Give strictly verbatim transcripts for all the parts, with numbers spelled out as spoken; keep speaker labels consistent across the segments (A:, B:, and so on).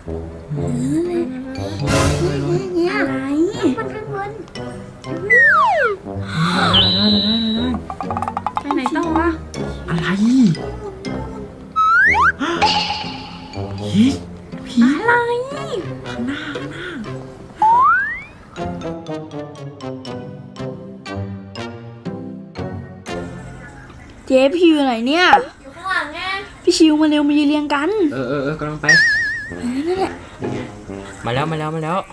A: เนี่ยอะไรมันข้างบนไปไหนต่อวะ
B: อะไรพี่พี่
A: อะไร
B: ข้างหน้าข้างหน้า
A: เจ๊พี่อยู่ไหนเนี่ย
C: อยู่ข้างหลังไง
A: พี่ชิวมาเร็วมายืนเรียงกัน
B: เออเออเออกำลังไป
A: นั่นแหละ
B: มาแล้วมาแล้วมาแล้ว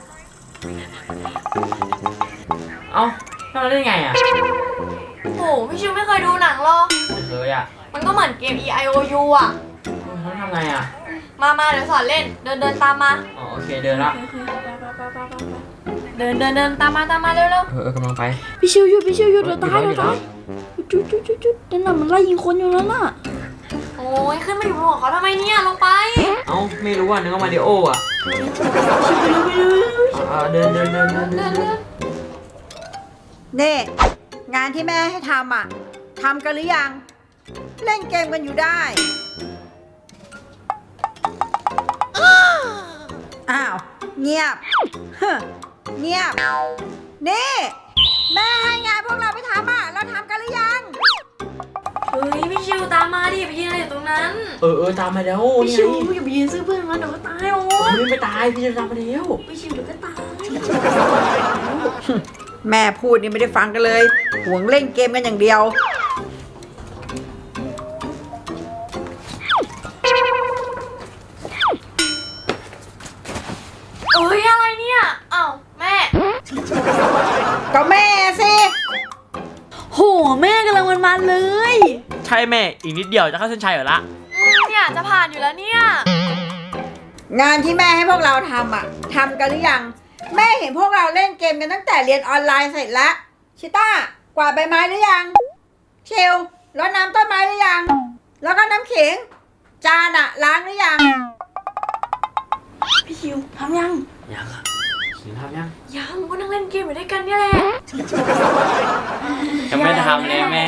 B: เอ้าทำได้ไงอ่ะ
C: โอ้พี่ชิวไม่เคยดูหนังหรอ
B: ไม่เคยอ่ะ
C: มันก็เหมือนเกม E I O U อ่ะ
B: เขาทำไงอ่ะ
C: มามาเดี๋ยวสอนเล่นเดินเดินตามมา
B: อ๋อโอเคเดินละ
C: เดินเดินเดินตามมาตามมาเร็วเร็ว
B: เออเออกำลังไป
A: พี่ชิวหยุดพี่ชิวหยุดเดี๋ยวตายเดี๋ยวตายจุดจุดจุดจุดนั่นน่ะมันไล่ยิงคนอยู่แล้วน่ะ
C: โอ้ยขึ้นมาอยู่บนหัวเขาทำไมเนี่ยลงไป
B: เอ้าไม่รู้อ่ะนึกว่ามาริโออ่ะเดินเดินเดินเดินเดิน
D: เน่งานที่แม่ให้ทำอ่ะทำกันหรือยังเล่นเกมกันอยู่ได้อ้าวเงียบเงียบนี่แม่ให้งานพวกเราไปทำอ่ะเราทำกันหรือยัง
C: เฮ้ยพี่ชิวตามมาดิไปยืนอะไรอยู่ตรงนั้น
B: เออเออตามมาแล้ว
A: พี่ชิวอย่าไปยืนซื้อเพื่อนมันเดี๋ยวก็ตายโอ้
B: ยไม่ตายพี่จะตามมาแล้ว
A: พี่ชิวเดี๋ยวก็ตาย
D: แม่พูดนี่ไม่ได้ฟังกันเลยหวงเล่นเกมกันอย่างเดียว
C: เอ้ยอะไรเนี่ยอ้าวแม่
D: ก็แม่สิ
A: โหแม่กำลังมันๆเลย
B: ใช่แม่อีกนิดเดียวจะเข้าเส้นชัยเหรอละ
C: เนี่ยจะผ่านอยู่แล้วเนี่ย
D: งานที่แม่ให้พวกเราทำอ่ะทำกันหรือยังแม่เห็นพวกเราเล่นเกมกันตั้งแต่เรียนออนไลน์เสร็จแล้วชิต้ากวาดใบไม้หรือยังเชลรดน้ำต้นไม้หรือยังแล้วก็น้ำขิงจานอะล้างหรือยัง
A: พี่ชิวทำยัง
B: ยังอ่ะขิงทำยัง
C: ยังก็นั่งเล่นเกมอยู่ด้วยกันเนี่ยแหละ
B: ยังไม่ทำเลยแม่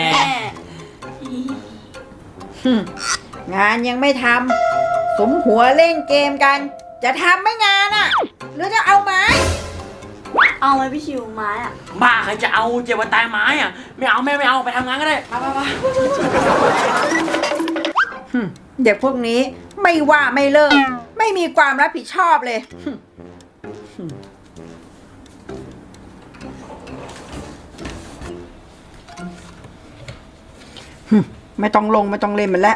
D: งานยังไม่ทำสมหัวเล่นเกมกันจะทำไม่งานอะหรือจะเอาไม้
A: เอาไหมพี่ชิวไม้อะ
B: บ้าใครจะเอาเจ็บวันตายไม้อะไม่เอาแม่ไม่เอาไปทำงานก็ได้ไปไปไป
D: เด็กพวกนี้ไม่ว่าไม่เลิกไม่มีความรับผิดชอบเลยไม่ต้องลงไม่ต้องเล่นมันแล้ว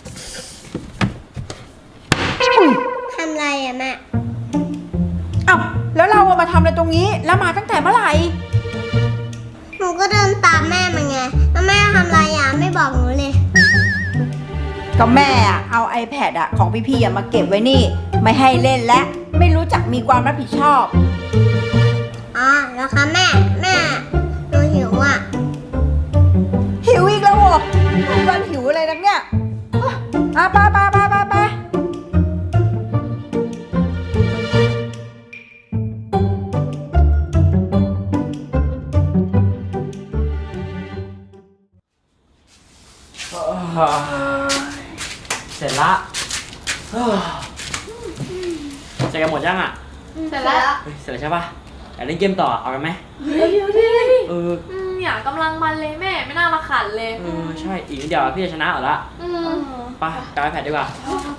E: ทำไรอะแม่
D: เอ้าแล้วเรามาทำอะไรตรงนี้แล้วมาตั้งแต่เมื่อไหร่
E: หนูก็เดินตามแม่มาไงแล้วแม่ทำไรอะไม่บอกหนูเลย
D: ก็แม่อะเอา iPad อะของพี่ๆมาเก็บไว้นี่ไม่ให้เล่นและไม่รู้จักมีความรับผิดชอบ
E: อ๋อแล้วคะแม่แม่หนูหิวอะ
D: หิวอีกแล้วเหรอวันหิวอะไรนักเนี่ยอ่ะไปไปไปไปไป
B: เสร็จละเสร็จกันหมดยังอ่ะ
C: เสร็จแล้ว
B: เสร็จแล้วใช่ปะอยากเล่นเกมต่อเอากันไหม
C: เดี๋ยวดิ
B: เออ
C: เนี่ยกำลังมันเลยแม่ไม่น่ามาขันเลย
B: เออใช่อีกนิดเดียวพี่จะชนะเหรอละไปกลับไปแพดดีกว่า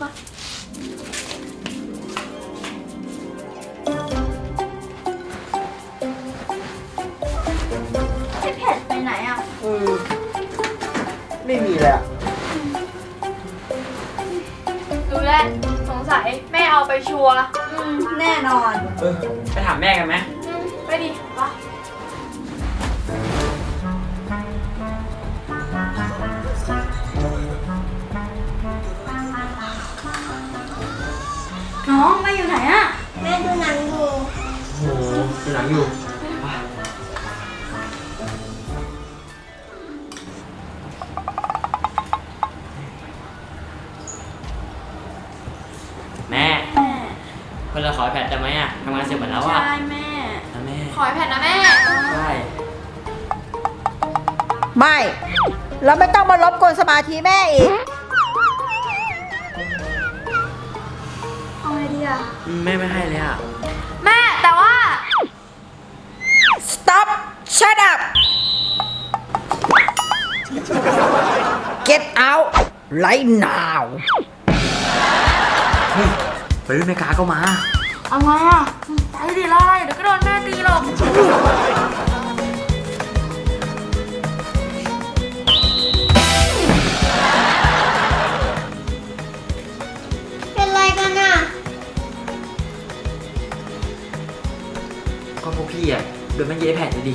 A: ไอแพดไปไหนอ่ะ
B: เออไม่มีเลยอ่ะ
C: ดูแลสงสัยแม่เอาไปชัวร์
A: แน่นอน
B: เออไปถามแม่กันไหม
C: ไปดิปะ
A: น้องแม่อยู่ไหนอ่ะ
E: แม่ดูหนังอยู่
B: โอ้โหดูหนังอยู่แม่เพื่อนเราขอแพทได้ไหมอ่ะทำงานเสร็จหมดแล้วอ่ะ
A: ใช่แม่
B: แม่
C: ขอแพทนะแม่
B: ใช่
D: ไม่เราไม่ต้องมารบกวนสมาธิแม่อีก
A: เอาไงดีอะ
C: อ่ะ
B: แม่ไม่ให้เลยอ่ะ
C: แม่แต่ว่า
D: stop shut up get out right now
B: เฮ้ยไปรุ่นแม่กาก็มา
C: อะไรอ่ะไปดิรออะไรเดี๋ยวก็โดนแม่ตีหรอก
E: เป็นไรกันอ่ะ
B: ก็พวกพี่อ่ะโดนแม่เย้แผ่นเลยดิ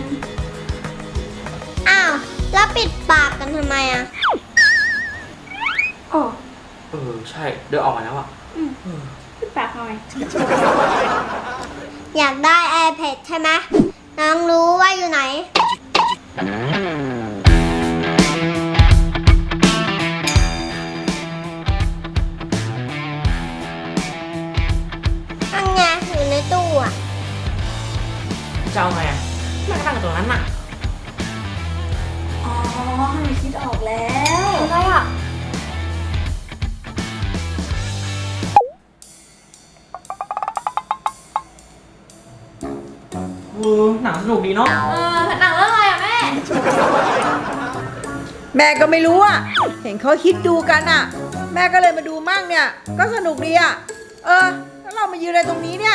E: อ้าว แล้วปิดปากกันทำไมอ่ะ
A: โอ้
B: เออใช่เดินออกมาแล้วอ่ะ
A: ปิดปากหน่อย
E: อยากได้ iPad ใช่ไหมน้องรู้ว่าอยู่ไหน อันไงอยู่ในตู้อ่ะ
B: จะเอาไงอ่ะแม่ก็ตั้งกับตรงนั้นน่ะ
A: อ๋อหนูคิดออกแล้ว
C: อะไรอ่ะ
B: เออหนังสนุกดีเนาะ
C: เออหนังเรื่องอะไรอ่ะแม่
D: แม่ก็ไม่รู้อ่ะ เห็นเขาคิดดูกันอ่ะ แม่ก็เลยมาดูมั่งเนี่ย ก็สนุกดีอ่ะ เออ แล้วเรามายืนอะไรตรงนี้เนี่ย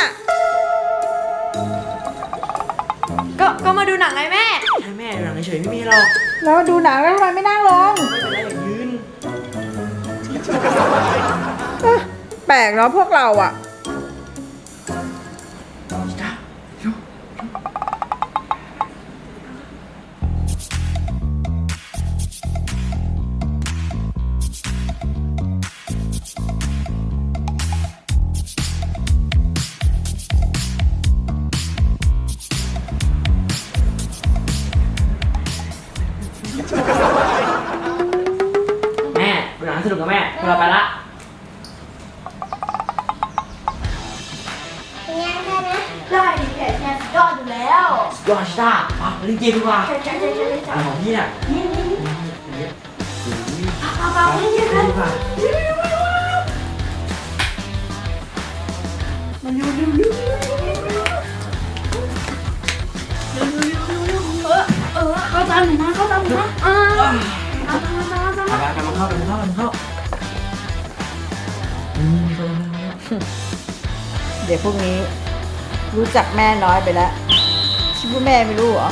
C: ก็ก็มาดูหนังไงแม่
B: ใช่แม่ดูหนังเฉยๆไม่มีหรอก
D: แล้วดูหนังแล้วทำไมไม่นั่งลง
B: ไม่เป็นไรอย่างยืน
D: เอ้อแปลกเนาะพวกเราอ่ะ
B: จ้าโย แม่ดูหนังสนุกกับแม่พวกเราไปละ
E: เป็นไงได้ไหม
A: ได้ดิแค่แค่ยอดอยู่แล้ว
B: ยอดชิต้ามาเล่นเกมดีกว่า
A: ใช่ใช่ใช่ใช่ใช่
B: อะไรของพี่เนี่ย
A: นี่นี่นี่
B: เอาเอาเล่นเกมกันดีกว่า
A: มันเร็วเร็วเร็วเร็วเออเออเข้าตามหน่อยนะเข้าตามหน่อยนะเออตามตามตามตาม
B: เอาไปกันมาเข้ากันมาเข้ากันมาเข้าอืมเข้าเข้าเข้า
D: เด็กพวกนี้รู้จักแม่น้อยไปแล้วคิดว่าแม่ไม่รู้เหรอ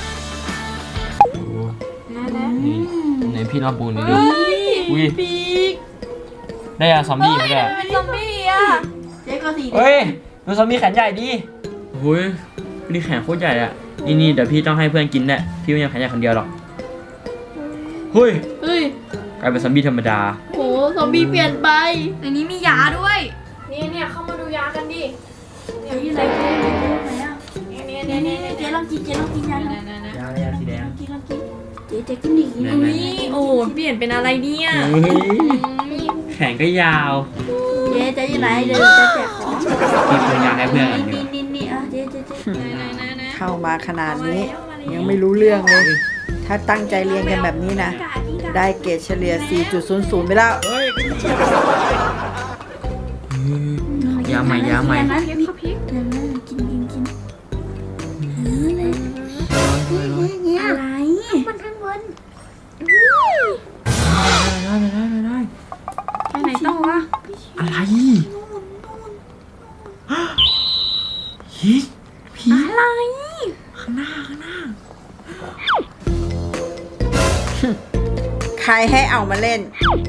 B: นี่ไหนพี่รับปูนนี่ดู อุ้ย
C: ปีก
B: ได้ยาซอมบี้ไหมเนี่ย
C: เป็นซอมบี้อ่ะ
A: เจ๊ก็สี
B: เฮ้ยดูซอมบี้แขนใหญ่ดิโอ้ยนี่แขนโคตรใหญ่อะนี่นี่เดี๋ยวพี่ต้องให้เพื่อนกินแหละพี่ไม่ยังแขนใหญ่คนเดียวหรอกเฮ้ย
A: เฮ้ย
B: กลายเป็นซอมบี้ธรรมดา
A: โหซอมบี้เปลี่ยนไป
C: ในนี้มียาด้วย เนี่ยเนี่ยเข้ามาดูยากันดิ
A: เจ๊อยู่ไหนเจ๊อยู่ไหนอ่ะ
C: เนี่ยเนี่ย
A: เนี่
C: เนี่ย ย
A: เนี่
C: เนี่ย ย
A: เจ๊ลองกินเจ๊ลองกินยาหน่อย
C: นะนะ
B: ยาอะไรยาสีแดง
A: กินลองกินเจ๊เจ๊กินดิกิน
B: ไหน
C: อุ้ยโอ้เปลี่ยนเป็นอะไรเนี่ย
B: เฮ้ยแขนก็ยาว
A: เจ๊เจ๊อยู่ไหนเดี๋ยวจะแจกของ
B: พี่ปรุงยาให้เพื่อนกันดี
A: นี่
B: กว่า
A: นี่นี่อ่ะเจ๊เจ๊เจ๊
D: เข้ามาขนาดนี้ ยังไม่รู้เรื่องเลย ถ้าตั้งใจเรียนกันแบบนี้นะ ได้เกรดเฉลี่ย สี่จุดศูนย์ศูนย์ ไปแล้ว
B: เฮ้ยยาใหม่ยาใหม่
A: นะเจ๊ข้าวพริกเดี๋ยวนะกินกินกินอะไร
E: มันข้างบน
B: ได้ได้ได้ได้
A: ไปไหนต่อวะ
B: อะไรฮิผี
A: อะไร
B: ข้างหน้าข้างหน้า
D: ใครให้เอามาเล่น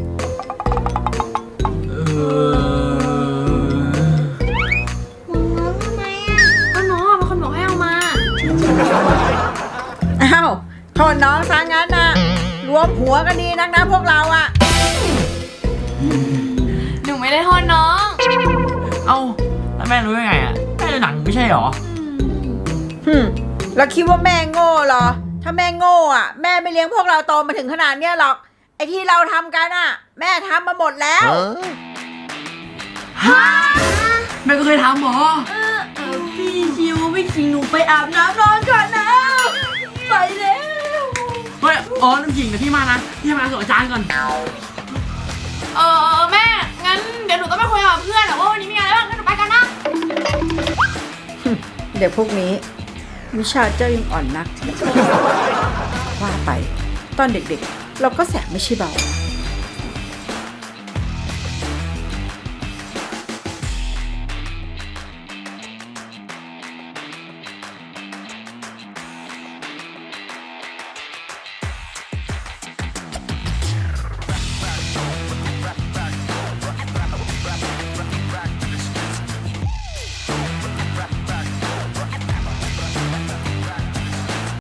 B: เออ
E: น้องทำไมอ่ะ
C: ก็น้องอ่ะเป็นคนบอกให้เอามา
D: อ้าวโทษน้องซะงั้นนะรวมหัวกันดีนักนะพวกเราอ่ะ
C: หนูไม่ได้โทษน้อง
B: เอ้าแล้วแม่รู้ยังไงอ่ะแม่ดูหนังไม่ใช่หรอ
D: ฮึมแล้วคิดว่าแม่โง่เหรอ ถ้าแม่โง่อ่ะ แม่ไม่เลี้ยงพวกเราโตมาถึงขนาดเนี้ยหรอก ไอ้ที่เราทำกันอ่ะ แม่ทำมาหมดแล้ว
B: แม่ก็เคยทำหรอ
A: เออพี่ชิวพี่ชิงหนูไปอาบน้ำนอนก่อนนะไปแล้ว
B: เฮ้ยอ๋อน้ำจริงเดี๋ยวพี่มานะพี่มาส่งอาจารย์ก่อน
C: เออแม่ งั้นเดี๋ยวหนูต้องไปคุยกับเพื่อนอะว่าวันนี้มีงานอะไรบ้าง
D: เด็กพวกนี้วิชาเจ้ายังอ่อนนัก ว่าไป ตอนเด็กๆ เราก็แสบไม่ใช่เบา